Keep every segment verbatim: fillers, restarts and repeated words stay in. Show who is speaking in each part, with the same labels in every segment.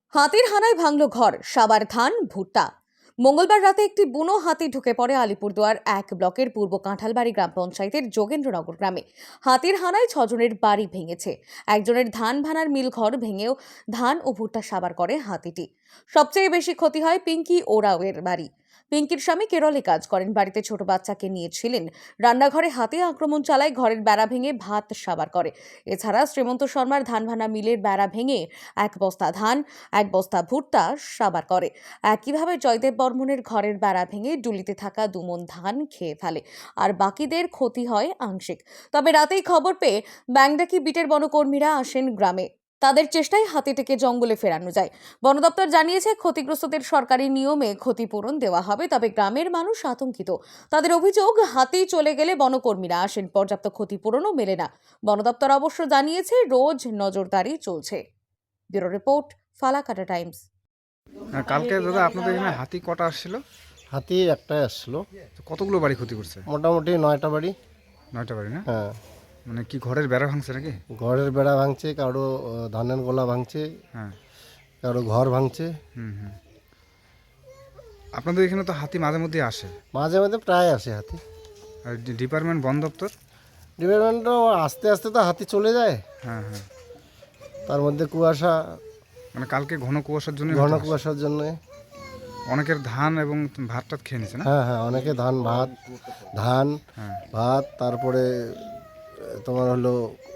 Speaker 1: হাতির হানায় ভাঙল ঘর, সাবার ধান, ভুট্টা। মঙ্গলবার রাতে একটি বুনো হাতি ঢুকে পড়ে আলিপুরদুয়ার এক ব্লকের পূর্ব কাঁঠালবাড়ি গ্রাম পঞ্চায়েতের যোগেন্দ্রনগর গ্রামে। হাতির হানায় ছজনের বাড়ি ভেঙেছে। একজনের ধান ভানার মিল ঘর ভেঙেও ধান ও ভুট্টা সাবার করে হাতিটি। সবচেয়ে বেশি ক্ষতি হয় পিঙ্কি ওরাওয়ের বাড়ি। পিঙ্কির স্বামী কেরলে কাজ করেন, বাড়িতে ছোট বাচ্চাকে নিয়েছিলেন। রান্নাঘরে হাতি আক্রমণ চালায়, ঘরের বেড়া ভেঙে ভাত সাবার করে। এছাড়া শ্রীমন্ত শর্মার ধান ভানা মিলের বেড়া ভেঙে এক বস্তা ধান, এক বস্তা ভুট্টা সাবার করে। একইভাবে জয়দেব বর্মনের ঘরের বেড়া ভেঙে ডুলিতে থাকা দুমন ধান খেয়ে ফেলে, আর বাকিদের ক্ষতি হয় আংশিক। তবে রাতেই খবর পেয়ে ব্যাংডাকি বিটের বনকর্মীরা আসেন গ্রামে। তাদের চেষ্টায় হাতিটিকে জঙ্গলে ফেরানো যায়। বন দপ্তর জানিয়েছে, ক্ষতিগ্রস্তদের সরকারি নিয়মে ক্ষতিপূরণ দেওয়া হবে। তবে গ্রামের মানুষ আতঙ্কিত। তাদের অভিযোগ, হাতি চলে গেলে বনকর্মীরা আসেন, পর্যাপ্ত ক্ষতিপূরণও মেলে না। বন দপ্তর অবশ্য জানিয়েছে, রোজ নজরদারি চলছে। Bureau report, Falakata Times.
Speaker 2: কালকে দাদা আপনাদের এখানে হাতি কটা আসছিল?
Speaker 3: হাতি একটাই আসলো।
Speaker 2: কতগুলো বাড়ি ক্ষতি করছে?
Speaker 3: মোটামুটি নয়টা বাড়ি।
Speaker 2: নয়টা বাড়ি না?
Speaker 3: হ্যাঁ,
Speaker 2: মানে কি ঘরের বেড়া ভাঙছে নাকি?
Speaker 3: ঘরের বেড়া ভাঙছে, কারো আহ, ধানের গোলা ভাঙছে,
Speaker 2: হ্যাঁ।
Speaker 3: কারো ঘর ভাঙছে।
Speaker 2: হুম হুম আপনাদের এখানে তো হাতি মাঝে মধ্যে আসে,
Speaker 3: মাঝে মাঝে প্রায় আসে হাতি।
Speaker 2: আর ডি- ডিপার্টমেন্ট বন দপ্তর?
Speaker 3: ডিপার্টমেন্টও আস্তে আস্তে তো হাতি চলে যায়,
Speaker 2: হ্যাঁ হ্যাঁ
Speaker 3: তার মধ্যে কুয়াশা,
Speaker 2: মানে কালকে ঘন কুয়াশার জন্য
Speaker 3: ঘন কুয়াশার জন্য।
Speaker 2: অনেকের ধান এবং ভাত টাত খেয়ে নিছে না?
Speaker 3: হ্যাঁ হ্যাঁ অনেকে ধান ভাত ধান
Speaker 2: হ্যাঁ।
Speaker 3: ভাত তারপরে আহ, তোমার হলো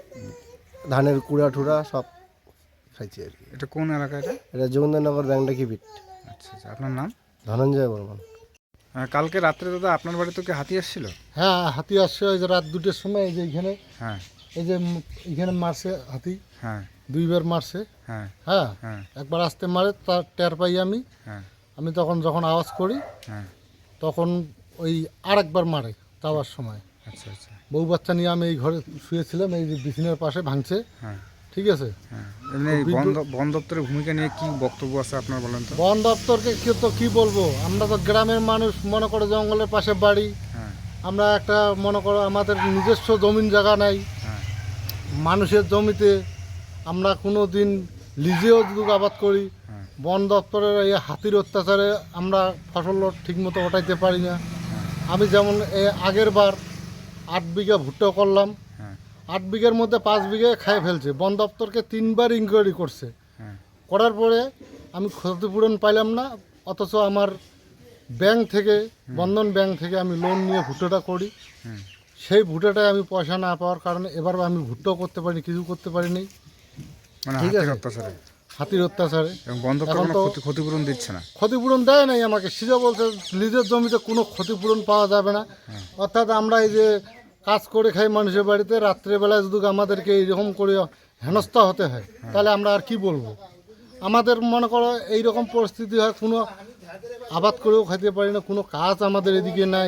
Speaker 3: ধানের কুড়া টুড়া সব খাইছে আর কি।
Speaker 2: এটা কোন এলাকা এটা?
Speaker 3: এটা যোগেন্দ্রনগর ব্যাংডাকি বিট।
Speaker 2: আচ্ছা আচ্ছা, আপনার নাম?
Speaker 3: ধনঞ্জয় বর্মন।
Speaker 2: হ্যাঁ, কালকে রাত্রে দাদা আপনার বাড়িতে কি হাতি আসছিল?
Speaker 4: হ্যাঁ, হাতি আসছে ওই যে রাত দুটোর সময়। এই যে এখানে
Speaker 2: হ্যাঁ
Speaker 4: এই যে উম এখানে মারছে হাতি,
Speaker 2: হ্যাঁ
Speaker 4: দুইবার মারছে।
Speaker 2: হ্যাঁ
Speaker 4: হ্যাঁ,
Speaker 2: হ্যাঁ
Speaker 4: একবার আসতে মারে, তার টের পাই আমি।
Speaker 2: হ্যাঁ
Speaker 4: আমি তখন যখন আওয়াজ করি
Speaker 2: হ্যাঁ
Speaker 4: তখন ওই আরেকবার মারে যাওয়ার সময়।
Speaker 2: আচ্ছা আচ্ছা
Speaker 4: বউ বাচ্চা নিয়ে আমি এই ঘরে শুয়েছিলাম, এই যে বিছানার পাশে ভাঙছে।
Speaker 2: হ্যাঁ
Speaker 4: ঠিক আছে,
Speaker 2: হ্যাঁ এমনি এই বন দ- বন দপ্তরের ভূমিকা নিয়ে কি বক্তব্য আছে আপনার, বলেন তো?
Speaker 4: বন দপ্তরকে কি তো কি বলবো, আমরা তো গ্রামের মানুষ, মনে করো জঙ্গলের পাশে বাড়ি।
Speaker 2: হ্যাঁ
Speaker 4: আমরা একটা মনে করো আমাদের নিজস্ব জমিন জায়গা নাই।
Speaker 2: হ্যাঁ
Speaker 4: মানুষের জমিতে আমরা কোনো দিন লিজেও যদি আবাদ করি,
Speaker 2: হ্যাঁ
Speaker 4: বন দপ্তরের এই হাতির অত্যাচারে আমরা ফসল ঠিকমতো ওঠাইতে পারি না। আমি যেমন এ আগের বার আট বিঘা ভুট্টা করলাম,
Speaker 2: হ্যাঁ
Speaker 4: আট বিঘার মধ্যে পাঁচ বিঘা খেয়ে ফেলছে। বন দপ্তরকে তিনবার ইনকোয়ারি করছে,
Speaker 2: হ্যাঁ
Speaker 4: করার পরে আমি ক্ষতিপূরণ পাইলাম না। অথচ আমার ব্যাংক থেকে, বন্ধন ব্যাংক থেকে আমি লোন নিয়ে ভুট্টাটা করি।
Speaker 2: হুম
Speaker 4: সেই ভুট্টাটায় আমি পয়সা না পাওয়ার কারণে এবার আমি ভুট্টাও করতে পারিনি, কিছু করতে পারিনি
Speaker 2: মানে
Speaker 4: ঠিক
Speaker 2: হাতির
Speaker 4: আছে।
Speaker 2: অত্যাচারে
Speaker 4: হাতির অত্যাচারে
Speaker 2: এবং বন দপ্তর
Speaker 4: এখন
Speaker 2: কোনো
Speaker 4: তো-
Speaker 2: ক্ষতি- ক্ষতিপূরণ দিচ্ছে না।
Speaker 4: ক্ষতিপূরণ দেয় নাই আমাকে। সিজা বলছে নিজের জমিতে কোনো ক্ষতিপূরণ পাওয়া যাবে না। অর্থাৎ আমরা এই যে কাজ করে খাই মানুষের বাড়িতে, রাত্রেবেলায় যদি আমাদেরকে এইরকম করে হেনস্থা হতে হয়, তাহলে আমরা আর কি বলবো। আমাদের মনে করো এইরকম পরিস্থিতি হয়, কোনো আবাদ করেও খাইতে পারি না, কোনো কাজ আমাদের এদিকে নাই।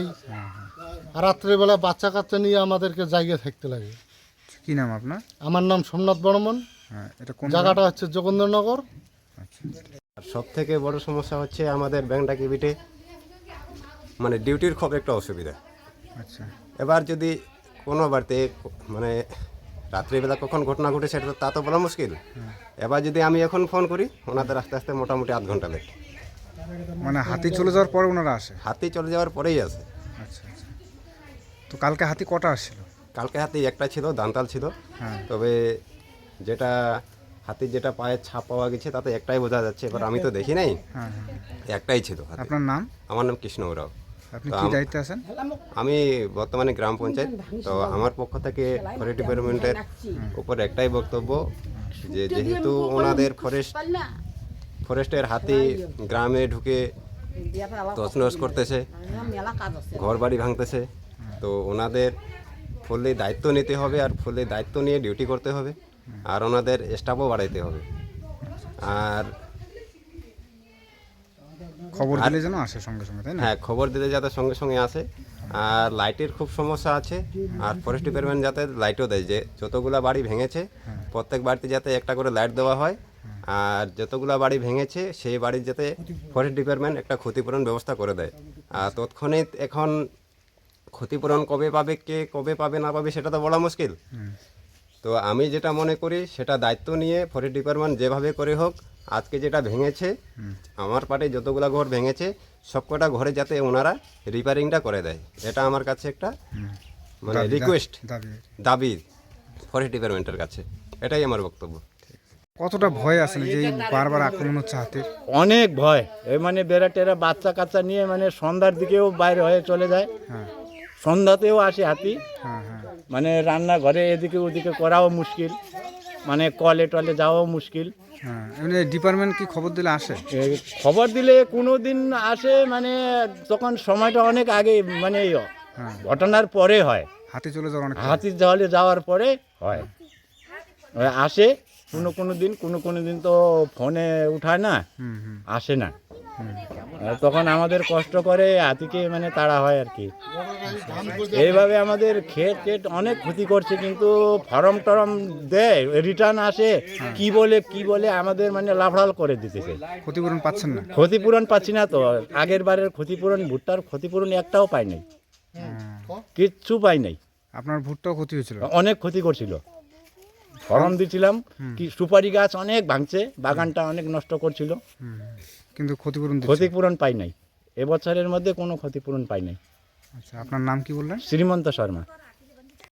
Speaker 4: আর রাত্রেবেলা বাচ্চা কাচ্চা নিয়ে আমাদেরকে জায়গায় থাকতে লাগে।
Speaker 2: কি নাম আপনার?
Speaker 4: আমার নাম সোমনাথ বর্মন,
Speaker 2: হ্যাঁ, এটা কোন
Speaker 4: জায়গাটা হচ্ছে যোগেন্দ্রনগর।
Speaker 2: আচ্ছা
Speaker 5: সব থেকে বড় সমস্যা হচ্ছে আমাদের ব্যাংডাকি বিটে মানে ডিউটির খুব একটা অসুবিধা।
Speaker 2: আচ্ছা
Speaker 5: এবার যদি কোনো বাড়িতে মানে রাত্রিবেলা কখন ঘটনা ঘটে সেটা তো তা তো বলা মুশকিল। এবার যদি আমি এখন ফোন করি, ওনাদের আস্তে আস্তে মোটামুটি আধ ঘন্টা লেট।
Speaker 2: মানে হাতি চলে যাওয়ার পরে ওনারা আসে?
Speaker 5: হাতি চলে যাওয়ার পরেই আছে।
Speaker 2: আচ্ছা আচ্ছা, তো কালকে হাতি কটা আসছিল?
Speaker 5: কালকে হাতি একটা ছিল, দান্তাল ছিল।
Speaker 2: হ্যাঁ
Speaker 5: তবে যেটা হাতির যেটা পায়ের ছাপ পাওয়া গেছে তাতে একটাই বোঝা যাচ্ছে। এবার আমি তো দেখি নাই,
Speaker 2: হ্যাঁ হ্যাঁ
Speaker 5: একটাই ছিল হাতি।
Speaker 2: আপনার নাম?
Speaker 5: আমার নাম কৃষ্ণ ওরাও।
Speaker 2: আপনি
Speaker 5: তো
Speaker 2: কি
Speaker 5: আম-
Speaker 2: দায়িত্বে আছেন?
Speaker 5: আমি বর্তমানে গ্রাম পঞ্চায়েত। তো আমার পক্ষ থেকে ফরেস্ট ডিপার্টমেন্টের উপর একটাই বক্তব্য, যে যেহেতু ওনাদের ফরেস্ট ফরেস্টের হাতি গ্রামে ঢুকে তছনছ করতেছে, ঘর বাড়ি ভাঙতেছে, তো ওনাদের ফুললি দায়িত্ব নিতে হবে, আর ফুললি দায়িত্ব নিয়ে ডিউটি করতে হবে, আর ওনাদের স্টাফও বাড়াইতে হবে। আর
Speaker 2: খবর দিলে যেন আসে সঙ্গে সঙ্গে, তাই না?
Speaker 5: হ্যাঁ, খবর দিতে যাতে সঙ্গে সঙ্গে আসে। আর লাইটের খুব সমস্যা আছে, আর ফরেস্ট ডিপার্টমেন্ট যাতে লাইটও দেয়, যে যতগুলা বাড়ি ভেঙেছে প্রত্যেক বাড়িতে যাতে একটা করে লাইট দেওয়া হয়, আর যতগুলা বাড়ি ভেঙেছে সেই বাড়ির যাতে ফরেস্ট ডিপার্টমেন্ট একটা ক্ষতিপূরণ ব্যবস্থা করে দেয়। আর তৎক্ষণিৎ এখন ক্ষতিপূরণ কবে পাবে, কে কবে পাবে না পাবে সেটা তো বলা মুশকিল। তো আমি যেটা মনে করি, সেটা দায়িত্ব নিয়ে ফরেস্ট ডিপার্টমেন্ট যেভাবে করে হোক আজকে যেটা ভেঙেছে আমার পাটে যতগুলা ঘর ভেঙেছে সবকটা ঘরে যাতে ওনারা রিপেয়ারিংটা করে দেয়, এটা আমার কাছে একটা মানে
Speaker 2: দাবি-
Speaker 5: রিকোয়েস্ট
Speaker 2: দাবি
Speaker 5: দাবি ফরেস্ট ডিপার্টমেন্টের কাছে, এটাই আমার বক্তব্য।
Speaker 2: কতটা ভয় আসলে যে এই বারবার আক্রমণ হচ্ছে হাতির?
Speaker 6: অনেক ভয়, এই মানে বেড়া টেরা বাচ্চা কাচ্চা নিয়ে মানে সন্ধ্যার দিকেও বাইরে হয়ে চলে যায়,
Speaker 2: হ্যাঁ
Speaker 6: সন্ধ্যাতেও আসে হাতি,
Speaker 2: হ্যাঁ হ্যাঁ
Speaker 6: মানে রান্নাঘরে এদিকে ওদিকে করাও মুশকিল, মানে কলে টলে যাওয়াও মুশকিল।
Speaker 2: হ্যাঁ এমনি ডিপার্টমেন্ট কি খবর দিলে আসে?
Speaker 6: এ, খবর দিলে কোনো দিন আসে, মানে তখন সময়টা অনেক আগে, মানে এই
Speaker 2: হ্যাঁ
Speaker 6: ঘটনার পরে হয়,
Speaker 2: হাতি চলে যাওয়ার অনেক
Speaker 6: হাতির জলে যাওয়ার পরে হয়। ওই আসে কোনো কোনো দিন, কোনো কোনো দিন তো ফোনে উঠায় না,
Speaker 2: হুম হুম
Speaker 6: আসে না, আর তখন আমাদের কষ্ট করে হাতিকে মানে তাড়া হয় আর কি। এইভাবে আমাদের ক্ষেত ক্ষেত অনেক ক্ষতি করছে, কিন্তু ফরম টরম দেয়, রিটার্ন আসে, কি বলে কি বলে আমাদের মানে লাফড়াল করে দিতেছে।
Speaker 2: ক্ষতিপূরণ পাচ্ছেন না?
Speaker 6: ক্ষতিপূরণ পাচ্ছি না তো, আগের বারের ক্ষতিপূরণ, ভুট্টার ক্ষতিপূরণ একটাও পাই নাই, কিচ্ছু পাই নাই।
Speaker 2: আপনার ভুট্টাও ক্ষতি হয়েছিল?
Speaker 6: অনেক ক্ষতি করছিল, ফরম দিছিলাম, কি সুপারি গাছ অনেক ভাঙছে, বাগানটা অনেক নষ্ট করছিল,
Speaker 2: হুম, কিন্তু ক্ষতিপূরণ দিচ্ছে?
Speaker 6: ক্ষতিপূরণ পাই নাই, এবছরের মধ্যে কোনো ক্ষতিপূরণ পাই নাই।
Speaker 2: আচ্ছা আপনার নাম কি বললেন?
Speaker 6: শ্রীমন্ত শর্মা।